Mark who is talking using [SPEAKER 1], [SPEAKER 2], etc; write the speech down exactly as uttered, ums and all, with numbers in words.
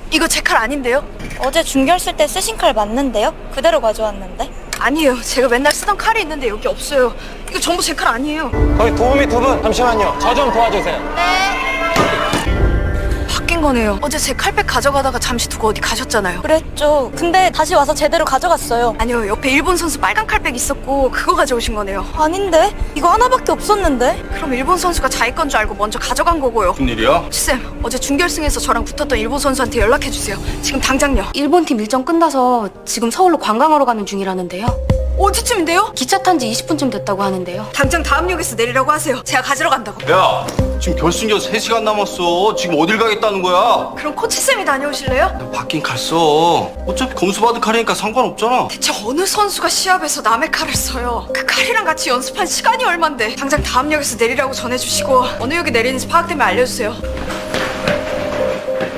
[SPEAKER 1] 이거 제 칼 아닌데요?
[SPEAKER 2] 어제 중결 쓸 때 쓰신 칼 맞는데요? 그대로 가져왔는데.
[SPEAKER 1] 아니에요. 제가 맨날 쓰던 칼이 있는데 여기 없어요. 이거 전부 제 칼 아니에요.
[SPEAKER 3] 거기 도우미 두 분 잠시만요. 저 좀 도와주세요.
[SPEAKER 1] 바뀐 거네요. 어제 제 칼백 가져가다가 잠시 두고 어디 가셨잖아요.
[SPEAKER 2] 그랬죠. 근데 다시 와서 제대로 가져갔어요.
[SPEAKER 1] 아니요. 옆에 일본 선수 빨간 칼백 있었고 그거 가져오신 거네요.
[SPEAKER 2] 아닌데? 이거 하나밖에 없었는데?
[SPEAKER 1] 그럼 일본 선수가 자기 건 줄 알고 먼저 가져간 거고요.
[SPEAKER 4] 무슨 일이야?
[SPEAKER 1] 쌤, 어제 준결승에서 저랑 붙었던 일본 선수한테 연락해주세요. 지금 당장요.
[SPEAKER 5] 일본 팀 일정 끝나서 지금 서울로 관광하러 가는 중이라는데요.
[SPEAKER 1] 어디쯤인데요?
[SPEAKER 5] 기차 탄 지 이십 분쯤 됐다고 하는데요.
[SPEAKER 1] 당장 다음 역에서 내리라고 하세요. 제가 가지러 간다고.
[SPEAKER 4] 야, 지금 결승전 세 시간 남았어. 지금 어딜 가겠다는 거야?
[SPEAKER 1] 그럼 코치쌤이 다녀오실래요?
[SPEAKER 4] 바뀐 칼 써. 어차피 검수 받은 칼이니까 상관없잖아.
[SPEAKER 1] 대체 어느 선수가 시합에서 남의 칼을 써요? 그 칼이랑 같이 연습한 시간이 얼만데. 당장 다음 역에서 내리라고 전해주시고 어느 역에 내리는지 파악되면 알려주세요.